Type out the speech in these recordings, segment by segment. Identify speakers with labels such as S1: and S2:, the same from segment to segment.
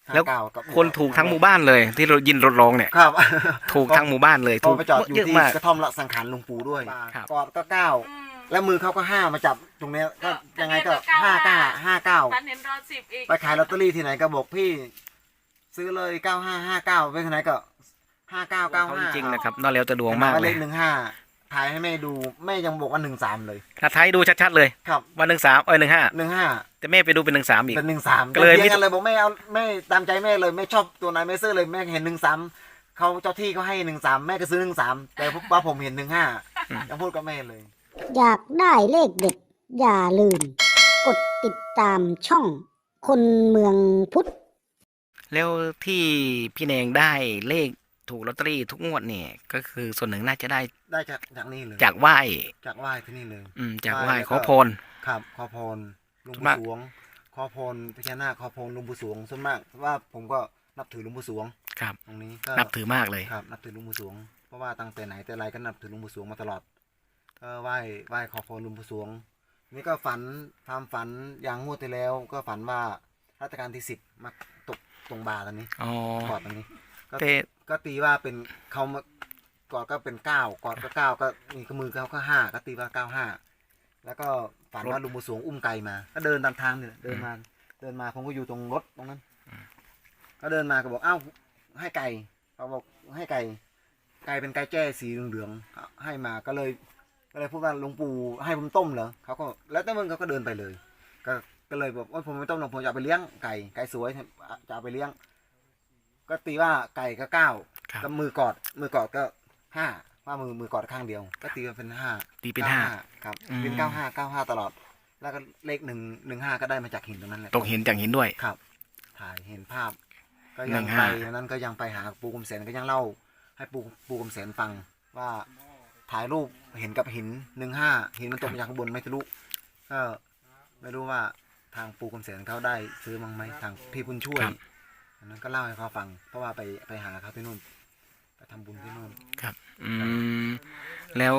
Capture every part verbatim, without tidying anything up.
S1: แล้วคนถูกทั้งหมู่บ้านเลยที่เรายินรถร้องเนี่ย
S2: ครับ
S1: ถูกทั้งหมู่บ้านเลยถูก
S2: ไปจอดอยู่
S1: เยอะ
S2: ที่
S1: มาก
S2: กระท่อมละสังขารหลวงปู่ด้วย
S1: ครับ
S2: กอดก็เก้าแล้วมือเขาก็ห้ามาจับตรงเนี้ยก็ยังไงก็
S3: ทะเบียนก็
S2: ห้าเก้า
S3: เก้า
S2: ห้าเก้า
S3: ฝันเห็นรอสิบอีก
S2: ไปขายลอตเตอรี่ที่ไหนก็บอกพี่ซื้อเลยเก้าห้าห้าเก้าไปที่ไหนก็ห้าเก้าเก้า
S1: เขา
S2: ห้า
S1: จริงๆนะครับนอกแล้วจะดวงมาก
S2: เล
S1: เลย
S2: ขหนึ่งห้าถ่ายให้แม่ดูแม่ยังบอกว่าหนึ่งสามเลย
S1: ถ้าไทยดูชัดๆเลย
S2: ครับ
S1: วันหนึ่งสามเอ้ยหนึ่งห้า
S2: หนึ่งห้า
S1: แต่แม่ไปดูเป็นหนึ่งสามอีก
S2: เป็นหนึ่งสาม
S1: ก็เลย
S2: เถี
S1: ไม่
S2: ยงกันเลยบอกไม่เอาไม่ตามใจแม่เลยไม่ชอบตัวไหนไม่ซื้อเลยแม่เห็นหนึ่งสามเขาเจ้าที่เขาให้หนึ่งสามแม่ก็ซื้อหนึ่งสามแต่ว่าผมเห็นหนึ่งห้ายังพูดกับแม่เลย
S4: อยากได้เลขเด็ด อย่าลืม กดติดตามช่องคนเมืองพุทธ
S1: แล้วที่พี่แนงได้เลขถูกลอตเตอรี่ทุกงวดเนี่ยก็คือส่วนหนึ่งน่าจะได้
S2: ได้จากจากนี่เลย
S1: จากไหว้
S2: จากไหว้ที่นี่เลย
S1: อืมจากไหว้
S2: ไหว้แล้ว
S1: ขอ
S2: ก็
S1: พร
S2: ครับขอพรหลุง
S1: ส่วน
S2: ปู่
S1: มาก
S2: สวงขอพรพญานาคขอพรหลุงปู่สวงส่วนมากว่าผมก็นับถือหลุงปู่สวง
S1: ครับ
S2: ตรงนี้ก็
S1: นับถือมากเลย
S2: ครับนับถือหลุงปู่สวงเพราะว่าตั้งแต่ไหนแต่ไรก็นับถือหลุงปู่สวงมาตลอดก็ไหว้ไหว้ขอพรหลุงปู่สวงนี่ก็ฝันความฝันอย่างงวดที่แล้ว ก็ฝันว่ารัชกาลที่สิบมาตกตรงบาร์ตอนนี้
S1: อ๋อก
S2: อดตอนนี้ก็
S1: แต่
S2: ก็ตีว่าเป็นเขามากอดก็เป็นเก้ากอดก็เก้าก็มีมือเขาก็ห้าก็ตีว่าเก้าห้าแล้วก็ฝันว่าลุงบุญสวงอุ้มไก่มา ก็เดินตามทางเนี่ยเดินมาเดินมาผมก็อยู่ตรงรถตรงนั้นก็เดินมาก็บอกเอ้าให้ไก่เขาบอกให้ไก่ไก่เป็นไก่แจ้สีเหลืองๆให้มาก็เลยก็เลยพูดว่าหลวงปู่ให้ผมต้มเหรอเขาก็แล้วแต่มึงเขาก็เดินไปเลย ก็ก็เลยบอกว่าผมไม่ต้มหรอกผมจะเอาไปเลี้ยงไก่ไก่สวยจะเอาไปเลี้ยง ก็ตีว่าไก่ก็เก้า
S1: ครับ
S2: ก็มือกอดมือกอดก็ห้าว่ามือมือกอดข้างเดียว ก็ตีว่าเป็นห้า
S1: ตีเป็นห้า
S2: ครับ
S1: อืม
S2: เป็นเก้าห้าเก้าห้าตลอด แล้วก็เลขหนึ่งหนึ่งห้าก็ได้มาจากหินตรงนั้นแหละ
S1: ตกเห็นจากหินด้วย
S2: ครับ ถ่ายเห็นภาพ ก็
S1: หนึ่
S2: ยัง
S1: ง
S2: ไป
S1: ห้า
S2: วันนั้นก็ยังไปหาปูกุมแสนก็ยังเล่า ให้ปูปูกุมแสนฟังว่าถ่ายรูปเห็นกับหินหนึ่งห้าหินมันตกมาจากข้างบนไม่ทะลุก็ไม่รู้ว่าทางปูกุมแสนเขาได้ซื้อมั้งไหมทางพี่บุญช่วย
S1: ครับ
S2: อันนั้นก็เล่าให้เขาฟัง เพราะว่าไปไปหาเขาที่นู่นไปทำบุญที่นู่น
S1: ครับ อืมแล้ว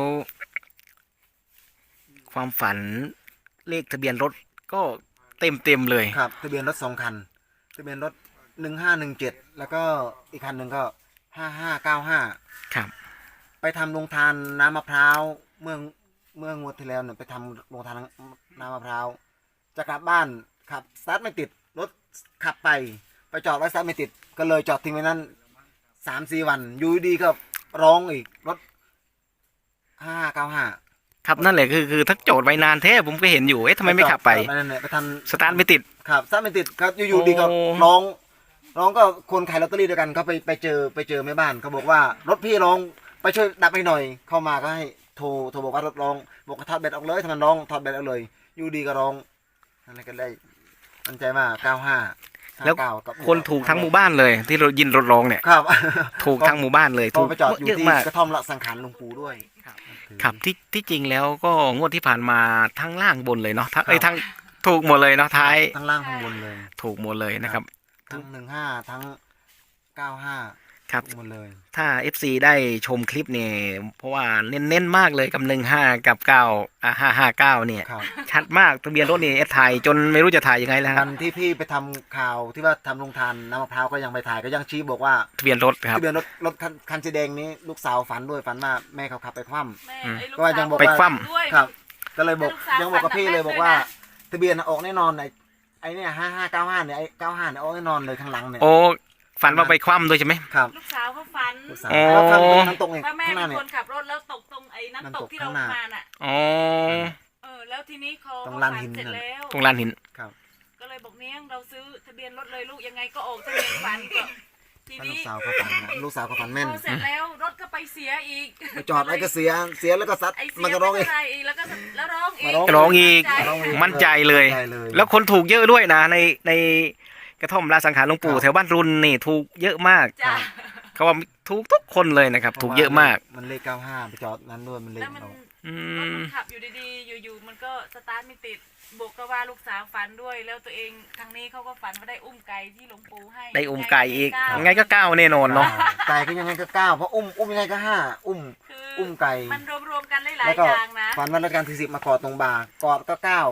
S1: ความฝันเลขทะเบียนรถก็เต็มเต็มๆเลย
S2: ครับทะเบียนรถสองคันทะเบียนรถหนึ่งห้าหนึ่งเจ็ดแล้วก็อีกคันหนึ่งก็ห้าห้าเก้าห้า
S1: ครับ
S2: ไปทำโรงทานน้ำมะพร้าวเมื่อเมื่องวดที่แล้วเนี่ยไปทำโรงทานน้ำมะพร้าวจะกลับบ้านขับสตาร์ทไม่ติดรถขับไปไปจอดไว้สตาร์ทไม่ติดก็เลยจอดทิ้งไว้นั่นสามสี่วันอยู่ดีก็ร้องอีกรถห้าเก้าห้า
S1: ครับนั่นแหละคือคือถ้าโจทย์ไว้นานแท้ผมก็เห็นอยู่เอ๊ะทำไมไม่ขับไป
S2: นั่นแหละไปทำ
S1: สตาร์ทไม่ติด
S2: ครับสตาร์ทไม่ติดครับอยู่ๆดีก็
S1: โอ้
S2: ร้องร้องก็คนขายลอตเตอรี่ด้วยกันเขาไปไปเจอไปเจอแม่บ้านเขาบอกว่ารถพี่ร้องไปช่วยดับให้หน่อย เข้ามาก็ให้โทรโทรบอกว่ารถร้องบอกว่าถอดแบตออกเลยถ้ามันร้องถอดแบตออกเลยอยู่ดีก็ร้องนั่นก็ได้มั่นใจมากเก้าห้า
S1: แล้วคนถูกทั้งหมู่บ้านเลย ที่เรายินรถร้องเนี่ย
S2: ครับ
S1: ถูกทั้งหมู่บ้านเลย
S2: ถู
S1: ถู
S2: ก
S1: ก
S2: ไปจอดอยู่
S1: เยอะ
S2: ที่
S1: มาก
S2: กระท่อมละสังขารหลวงปู่ด้วย
S1: ครับที่ที่จริงแล้วก็งวดที่ผ่านมาทั้งล่างบนเลยเนาะทั้ง
S2: ครับ
S1: ไอ้ยทั้งถูกหมดเลยเนาะท้าย
S2: ทั้งล่างข้างบนเลย
S1: ถูกหมดเลยนะครับ
S2: ทั้งหนึ่งห้าทั้งเก้าห้า
S1: ครับ
S2: หมดเลย
S1: ถ้า เอฟ ซี ได้ชมคลิปเนี่ยเพราะว่าเน้นๆมากเลยกับหนึ่งห้ากับเก้าอ่าห้าห้าเก้าเนี่ย
S2: ครับ
S1: ชัดมากทะเบียนรถนี่เอสถ่ายจนไม่รู้จะถ่ายยังไงแล้วค
S2: วั
S1: รับ
S2: นที่พี่ไปทำข่าวที่ว่าทำโรงทานน้ำมะพร้าวก็ยังไปถ่ายก็ยังชี้บอกว่า
S1: ทะเบียนรถครับ
S2: ทะเบียนรถรถคันคันสีแดงนี้ลูกสาวฝันด้วยฝันว่าแม่เขาขับไปคว่
S3: แม่
S1: อืม
S3: ไอ้ลู
S2: ก็ยังบอก
S1: ไป
S2: ว่า
S1: คว่ำ
S3: ด้วย
S2: ำครับ ก็เลยบอก
S3: ลูกสาว
S2: ยังบอกกับ
S3: ฝัน
S2: พี่
S3: หนัก
S2: เลยบอก
S3: ด้วย
S2: ว่า
S3: นะ
S2: ทะเบียนออกแน่นอนไอ้ไอ้เนี่ยห้าห้าเก้าห้าเนี่ยไอ้เก้าห้าเนี่ยออกแน่นอนเลยข้างหลังเนี่ย
S1: โอ้ฝันว่าไปคว่ำด้วยใช่ไหม
S2: ครับ
S3: ลูกสาวเขาฝัน
S2: ลูกสาว
S1: อ๋อ
S2: แล้วข้างน้ำตกเนี่ย
S3: ว่าแม่
S2: ข้างห
S3: เป็
S2: น้าน เนี่ย
S3: คนขับรถแล้วตกตรงไอ้น้ำตกที่เรา
S2: น้ำตกข้างหน้า
S3: มาน่ะ
S1: อ๋อ
S3: เออแล้วทีนี้เขา
S2: ตรง
S3: เขา
S2: ลาน
S3: ฝั
S2: หิน
S3: เสร็จ
S2: นั่น
S3: แล้ว
S1: ตรงลานหิน
S2: ครับ
S3: ก็เลยบอกเนี้ยงเราซื้อทะเบียนรถเลยลูกยังไงก็ออกทะเบียนฝันก็ที
S2: ก็ลู
S3: นี้
S2: กสาวเขาฝันนะลูกสาวเขาฝันแม่น
S3: พอเสร็จแล้วรถก็ไปเสียอีก
S2: ไปจอดไอ้ก็เสียเสียแล้วก็ซัด
S3: ไอ้เสีย
S2: มันก็ร้อง
S3: ไม่
S2: เอง
S3: เป็นไรอีกแล้วก็แล้วร้องอีก
S2: มาร้อง
S1: ร้องอีก
S3: ใจ
S1: มั่นใจเลย
S2: มั่นใจเลย
S1: แล้วคนถูกเยอะด้วยนะในในกระท่อมราสังขารหลวงปู่
S2: ครับ
S1: แถวบ้านรุนนี่ถูกเยอะมาก
S3: จ้ะ
S1: เขาว่าถูกทุกคนเลยนะครับ ถูกเยอะมาก
S2: มันเลขเก้าห้าไปจอดนั้นด้วยมันเลข
S3: แล้วมัน
S2: ออก
S1: อื
S3: รถ
S1: ม
S3: มันขับอยู่ดีๆ อยู่ๆ มันก็สตาร์ทไม่ติดบวกก็ว่าลูกสาวฝันด้วย แล้วตัวเองทางนี้เขาก็ฝันว่าได้อุ้มไก่ที่หลวงปู่ให้
S1: ได้อุ้มไก่อีก
S3: ยัง
S1: ยังไงก็ก้าวแน่นอนเนาะ
S2: ไก่ก็ยังไงก็เก้าเพราะอุ้มอุ้มยังไงก็ห้าอุ้ม
S3: คือ
S2: อุ้มไก่
S3: มันรวมๆกันหลาย
S2: แล้ว
S3: ๆ
S2: ก็
S3: อย่างนะ
S2: ฝันว่ารัชกาลที่สิบมากอดตรงบ่ากอดก็เก้า
S3: อืม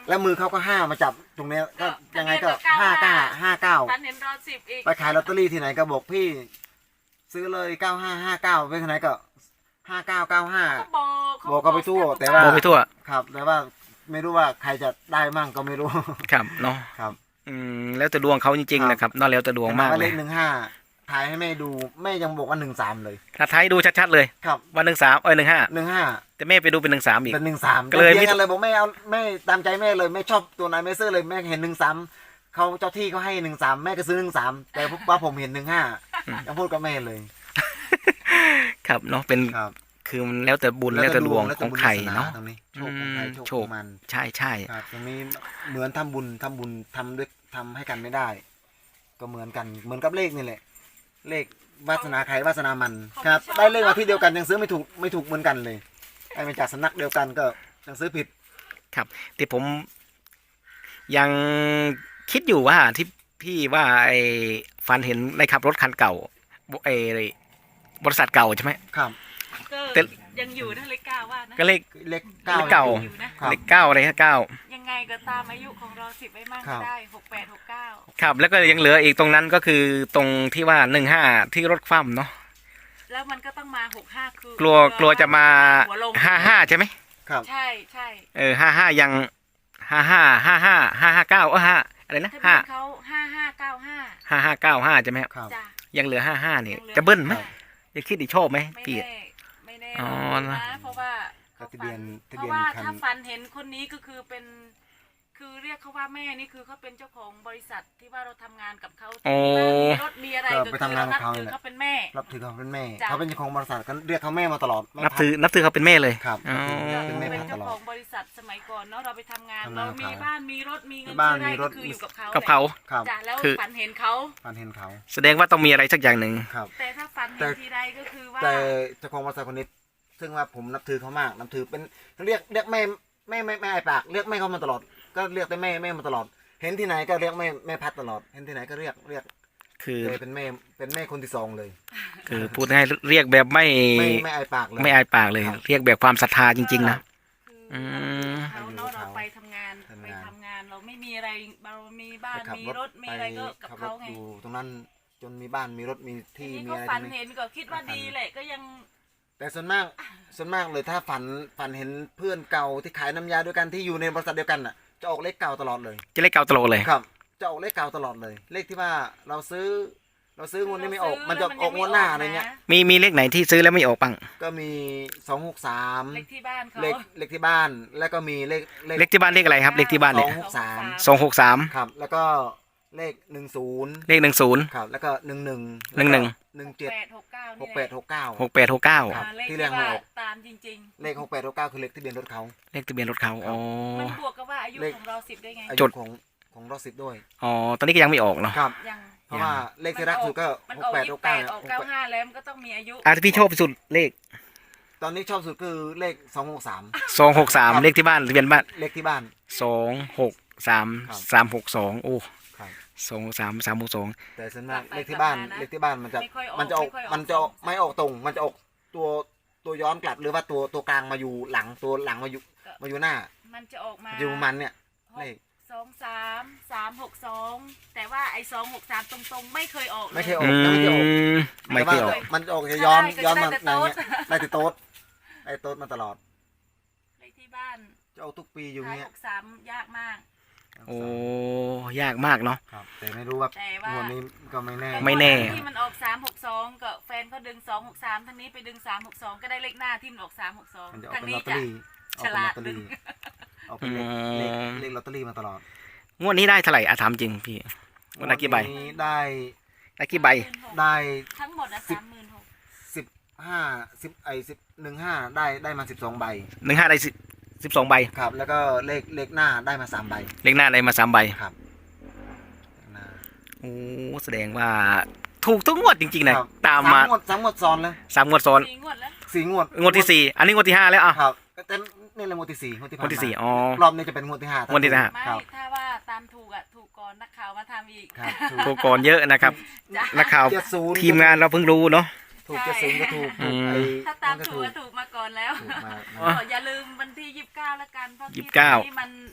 S2: แล้วมือเขาก็ห้ามาจับตรงเนี้ยก็
S3: ก็
S2: ยังไงก็
S3: ทะเบียนก็
S2: ห้าเก้า
S3: เก้า
S2: ห้าเก้า
S3: ฝันเห็นรอสิบอีก
S2: ไปขายลอตเตอรี่ที่ไหนก็บอกพี่ ซื้อเลยเก้าห้าห้าเก้าไปที่ไหนก็ห้าเก้าเก้าห้า
S3: ก็บอกเขา
S2: บอกก็ไปทั่ว
S3: บอก
S2: แต่ว่า
S1: บอกไปทั่ว
S2: ครับแต่ว่าไม่รู้ว่าใครจะได้มั่งก็ไม่รู้
S1: ครับเนาะ
S2: ครับ
S1: อืมแล้วแต่ดวงเขาจริงๆนะครับเนอกแล้วแต่ดวงมาก
S2: แต่
S1: เล
S2: เลย ขหนึ่งห้าถ่ายให้แม่ดูแม่ยังบอกว่าหนึ่งสามเลย
S1: ถ้าไทยดูชัดๆเลย
S2: ครับ
S1: ว่าหนึ่งสามเอ้ยหนึ่งห้า
S2: หนึ่งห้า
S1: แต่แม่ไปดูเป็นหนึ่งสามอีก
S2: เป็นหนึ่งสาม
S1: ก็เลย
S2: เถี
S1: ไม่
S2: ยงกันเลยบอกแม่เอาแม่ตามใจแม่เลยแม่ชอบตัวไหนแม่ซื้อเลยแม่เห็นหนึ่งสามเขาเจ้าที่เขาให้หนึ่งสามแม่ก็ซื้อหนึ่งสามแต่ว่าผมเห็นหนึ่งห้ายังพูดกับแม่เลย
S1: ครับเนาะเป็น
S2: ครับ
S1: คือมันแล้วแต่บุญแล้วแต่ดวงของใครเนาะ
S2: ตรงนี้โชคของใคร
S1: อืม
S2: โชค
S1: โช
S2: ข
S1: ค
S2: องมัน
S1: ใช่ใช่
S2: ครับตรงนี้เหมือนทำบุญทำบุญทำด้วยทำให้กันไม่ได้ ก็เหมือนกันเหมือนกับเลขนี่แหละ เลขวาสนาใครวาสนามันครับได้เลขมาที่เดียวกันยังซื้อไม่ถูกไม่ถูกเหมือนกันเลยได้มาจากสำนักเดียวกันก็ยังซื้อผิด
S1: ครับที่ผมยังคิดอยู่ว่าที่พี่ว่าไอ้ฟันเห็นในขับรถคันเก่าไอ้บริษัทเก่าใช่ไหม
S2: ครับ
S3: ก็
S1: แต่
S3: ยังอยู่นะเลขเก้าว่านะ
S1: ก็เลข
S2: เลขเก้า
S1: เลขเก่า
S3: อยู่นะ
S2: ครับ
S1: เลขเก้าอะไรฮะเก้า
S3: ยังไงก็ตามอายุของรอสิบไว้มาก
S2: ครั
S3: ก็
S2: บ
S3: ได้หกแปดหกเก้า
S1: ครับแล้วก็ยังเหลืออีกตรงนั้นก็คือตรงที่ว่าหนึ่งห้าที่รถคว่ำเนาะ
S3: แล้วมันก็ต้องมาหกห้าคือก
S1: ลัวกลัวจะมา
S3: หัวลง
S1: ห้าห้าใช่ไหม
S2: ครับ
S3: ใช่ใช่
S1: เออห้าห้ายังห้าห้าห้าห้าห้าห้าเก้าเออห้าอะไรนะ
S3: ทะเบี
S1: ห้าย
S3: นเขาห้าห้าเก้าห้า
S1: ห้าห้าเก้าห้าใช่ไหมครับ
S2: ครับ
S3: จ้ะ
S1: ยังเหลือห้าห้าเนี่ย
S3: ยังหลือ
S1: จะเบิ้ลไหม
S2: ครับ
S1: จะคิดอีกชอบไหม
S3: ไม่
S1: พี่
S3: แน่ไม่แน่
S1: อ๋อ
S3: ลองดู
S1: นะ
S3: นะเพราะว่าเขา
S2: ทะเบียน
S3: ฝั
S2: ทะ
S3: เพ
S2: เบียน
S3: ราะว่า
S2: คัน
S3: ถ้าฝันเห็นคนนี้ก็คือเป็น คือเรียกเขาว่าแม่นี่คือเขาเป็นเจ้าของบริษัทที่ว่าเราทำงานกับเขา
S1: โอ้
S3: มีรถมีอะไร
S2: ก็
S3: ก็
S2: ไป
S3: คือ
S2: ทำงาน
S3: เรา
S2: กับเขา
S3: ถื
S2: นี่
S3: อ
S2: แหละ
S3: เขาเป็นแม่
S2: รับถือเขาเป็นแม่
S3: จ้ะ
S2: เขาเป็นเจ้าของบริษัทก็เรียกเขาแม่มาตลอดไม่
S1: นับ
S2: พัก
S1: ถือนับถือเขาเป็นแม่เลย
S2: ครับ
S1: อ๋อ
S2: เป็นแม่
S3: เป็น
S2: พักต
S3: เจ้า
S2: ลอ
S3: ขอ
S2: ด
S3: งบริษัทสมัยก่อนเนาะเราไปทำงาน
S2: ทำงาน
S3: เรา
S2: กับ
S3: มี
S2: เขา
S3: บ้านมีรถมีเงิน
S2: บ้าน
S3: ซื้อได้
S2: มีรถ
S3: ก็คืออยู่กับเขา
S1: กับเขา
S2: ครับ
S3: จ้ะแล้ว
S1: คือ
S3: ฝันเห็นเขา
S2: ฝันเห็นเขา
S1: แสดงว่าต้องมีอะไรสักอย่างหนึ่ง
S2: ครับ
S3: แต่ถ้าฝัน
S2: แต่
S3: เห็นทีไรก็คือว่า
S2: แต่เจ้าของบริษัทคนนี้ซึ่งว่าผมนับถือเขามากนับถือเป็นเรียกเรียกแม่แม่แม่แม่ไอปากเรียกแม่เขามาตลอด ก็เรียกแต่แม่แม่มาตลอด เห็นที่ไหนก็เรียกแม่แม่พัดตลอด เห็นที่ไหนก็เรียกเรียก
S1: คือ
S2: เลยเป็นแม่เป็นแม่คนที่สองเลย
S1: คือพูดให้เรียกแบบไม่
S2: ไม่ไม่ไอปากเลย
S1: ไม่อายปากเลย
S2: ครับ
S1: เรียกแบบความศรัทธาจริงๆนะ
S3: คือ
S1: อืม
S3: เขาเนาะเราไปทำงาน
S2: ทำ
S3: ไป
S2: งาน
S3: ทำงานเราไม่มีอะไรเรามีบ้าน
S2: ไปขับ
S3: มีรถมีอะไรก็กับ
S2: ขับร
S3: เขา
S2: ถ
S3: ไง
S2: อยู่ตรงนั้นจนมีบ้านมีรถมีที่
S3: ทีนี้
S2: มี
S3: ก็
S2: อะไร
S3: ฝั
S2: ต
S3: น
S2: รงนี้
S3: เห็นก็คิดว่าดีแหละก็ยัง
S2: แต่ส่วนมากส่วนมากเลยถ้าฝันฝันเห็นเพื่อนเก่าที่ขายน้ำยาด้วยกันที่อยู่ในบริษัทเดียวกันน่ะจะออกเลขเก่าตลอดเลย
S1: จะเรียกเกาตลอดเลย
S2: ครับจะออกเลขเก่าตลอดเลย เลขที่ว่าเราซื้อ เราซื้องวดนี้ไม่ออก
S3: เราซื้อ
S2: มันจะ
S3: แล้วมัน
S2: ออกงวดหน้าอะไรเงี้ย
S3: ยังไม่ออกนะ
S1: มีมีเลขไหนที่ซื้อแล้วไม่ออกบ้าง
S2: ก็มีสองหกสาม
S3: เลขที่บ้านเขา
S2: เลขเลขที่บ้านแล้วก็มีเลข
S1: เลขที่บ้านเลขอะไรครับ เลขที่บ้านเนี่ย
S2: สองหกสาม
S1: สองหกสาม
S2: ครับ แล้วก็เลขหนึ่งศูนย์
S1: เลขหนึ่งศูนย์
S2: ครับ แล้วก็หนึ่งหนึ่ง
S1: หนึ่งหนึ่ง
S2: หนึ่งเจ็ด
S3: แปดหกเก้า
S2: หกแปดหกเก้า
S1: หกแปดหกเก้า
S2: ครับ
S3: เลข
S2: ที่
S3: ที่
S2: เรียกไม่
S3: ว่า
S2: ออก
S3: ตามจริง
S2: เลขหกแปดหกเก้าคือเลขทะเบียนรถเขา
S1: เลขทะเบียนรถเขาอ๋อ
S3: ๆ มันบวกกับว่าอายุ
S2: เลข
S3: ของเราสิบได้ไง
S2: อา
S1: จ
S2: ยุ
S1: ด
S2: ของของรถสิบด้วย
S1: อ๋อตอนนี้ก็ยังไม่ออกเนาะ
S2: ครับ
S3: ยัง
S2: เพราะว่าเลขที่รักสุดก็
S3: มัน
S2: ห
S3: อก อก
S2: แปด
S3: ยี่
S2: ห
S3: สิ
S2: ก
S3: บแป
S2: เก้า
S3: ดออกเก้าห้าแล้วมันก็ต้องมีอายุ
S1: อ่ะที่พี่ชอบที่สุดเลข
S2: ตอนนี้ชอบสุดคือเลขสองหกสาม
S1: สองหกสามเลขที่บ้านทะเบียนบ้าน
S2: เลขที่บ้าน
S1: สองหกสาม
S2: ครับ
S1: สามหกสองโอ้
S2: ครับ
S1: สองสามสามหกสอง
S2: แต่ส่วนมากเลขที่บ้านเลขที่บ้านมันจะ
S3: ไม่ค่อยออก
S2: มันจะออก
S3: ไค่ย
S2: มันจะออกไม่ออกตรง มันจะออกตัวตัวย้อนกลับหรือว่าตัวตัวกลางมาอยู่หลังตัวหลังมาอยู่มาอยู่หน้า
S3: มันจะออกมา
S2: อยู่มันเนี่ย
S3: ห
S2: เล
S3: ก
S2: ข
S3: สองสามสามหกสองแต่ว่าไอ้สองหกสามตรงๆ ไม่เคยออกล
S2: ไม่เคยอ
S1: อื
S2: อกยังไม่เคยออก
S1: มไม่เคยออก
S2: แต่ว่ามันจะออกจะย้อน
S3: ใช่
S2: ย้อนมา
S3: ก็
S2: ใน
S3: จะได้แต่โต๊ด
S2: เนี้ยได้แต่โต๊ดได้โต๊ดมาตลอด
S3: เลขที่บ้าน
S2: จะออกทุกปีอยู่
S3: ท้าย
S2: เนี้
S3: ห
S2: ย
S3: กสามยากมาก
S1: โอ้ยากมากเนาะ
S2: ครับแต่ไม่รู้ว่า
S3: แต่ว่า
S2: งวดนี้ก็ไม่แน่
S1: ไม่แน่
S3: ที่มันออกสามหกสองก็แฟนเขาดึงสองหกสามทางนี้ไปดึงสามหกสองก็ได้เลขหน้าที่มันออกสามหกสอง
S2: มันจะออก
S3: ทาง
S2: เป็นล
S3: นี้
S2: อตเตอ
S3: จะ
S2: รี่ออกเป็นลอตเตอรี่ออกเป็นเลขเลขเลขลอตเตอรี่มาตลอด
S1: งวดนี้ได้เท่าไหร่อะถามจริงพี่งวดละกี่ใบ
S2: งวดนี้ได้
S1: ได้กี่ใบ
S2: ได้
S3: ทั้งหมดอะสามหมื่นหก
S2: สิบห้าสิบไอสิบหนึ่งห้าได้ได้มาสิบสองใบ
S1: หนึ่งห้าได้สิบสิบสองใบ
S2: ครับ แล้วก็เลขเลขหน้าได้มาสามใบ
S1: เลขหน้าได้มาสามใบ
S2: ครับเลขหน้า
S1: โอ้แสดงว่าถูกทุกงวดจริงๆนะครับ ตามมา
S2: สามงวดสามงวดซ้อนเลย
S1: สามงวดซ้อน
S3: สี่งวดแล้ว
S2: สี่งวด
S1: งวดที่สี่อันนี้งวดที่ห้าแล้วอ่ะ
S2: ครับแต่นี่เลยงวดที่สี่งวดที่
S1: ง
S2: ผ่าน
S1: วดที่
S2: มา
S1: สี่อ๋อ
S2: รอบนี้จะเป็นงวดที่ห้าง
S1: วดที่ห้า
S3: ไม่
S2: ครับ
S3: ถ้าว่าตามถูกอะถูกก่อนนักข่าวมาทำอีก
S2: ครับถู
S1: ถู
S2: ก
S1: กก่อนเยอะนะครับ
S3: จ้ะ
S1: นักข่าว
S2: เจ็ดศูนย์
S1: ทีมงานเราเพิ่งรู้เนาะ
S2: ถูกเจ็ดศูนย์ก็ถูก
S1: อื
S2: ถูก
S1: ม
S2: ไอ้
S3: ถ้าตาม
S2: นั่นก็
S3: ถูกก็ถูกมาก่อนแล้ว
S2: ถูกมา
S1: อ๋อ
S3: ก็อย่าลืมวันที่ยี่สิบเก้าแล้วกันเพราะ
S1: ยี่สิบเก้า
S3: ที่มันรู้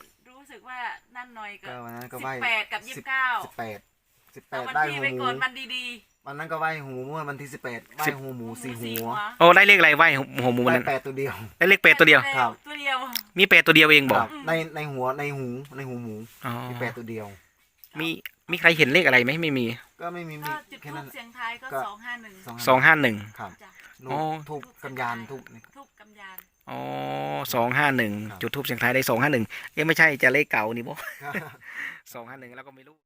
S3: สึกว่านั่นหน่อยกั
S2: ก็
S3: บ
S2: วันนั้นก็
S3: สิ
S2: ไหว้
S3: บแปดกับยี่สิบเก้า
S2: สิบแปดสิบแป
S3: เอา
S2: ด
S3: วัน
S2: ได้
S3: ที่
S2: หู
S3: ไป
S2: หมู
S3: ก่อนวันดี
S2: วันนั้นก็ไหว้หูเมื่อวันที่สิบแปดไหว้หูหมู
S3: ๆ
S2: สี่หัว
S1: โอ้ได้เลขอะไรไหวหัวหมู
S2: ได้
S1: นั้น
S2: แปดตัวเดียว
S1: ได้เลขเป็ดตัวเดียว
S2: ครับ
S3: ตัวเดียว
S1: มีเป็ดตัวเดียวเองบอก
S2: ครับในในหัวในหูในหูหมู
S1: อ๋อ
S2: มีแปดตัวเดียว
S1: มีมีใครเห็นเลขอะไรไหมไม่มี
S2: ก็ไม่มีมี
S3: ก็จุด
S2: แค่
S3: ทู
S2: นั้
S3: บ
S2: น
S3: เสียงทายก็
S2: ก็
S3: สองห้าหนึ่ง
S1: สองห้าหนึ่ง
S2: ครับ
S3: จ้ะ
S2: นู
S1: อ๋อ
S2: ทูบกำยานทูบนี่
S3: ทูบกำยาน
S1: อ๋อสองห้าหนึ่ง
S2: ครับ
S1: จุดทูบเสียงทายได้สองห้าหนึ่งยังไม่ใช่จะเลขเก่านี่บ่
S2: ครับ
S1: สองห้าหนึ่งแล้วก็ไม่รู้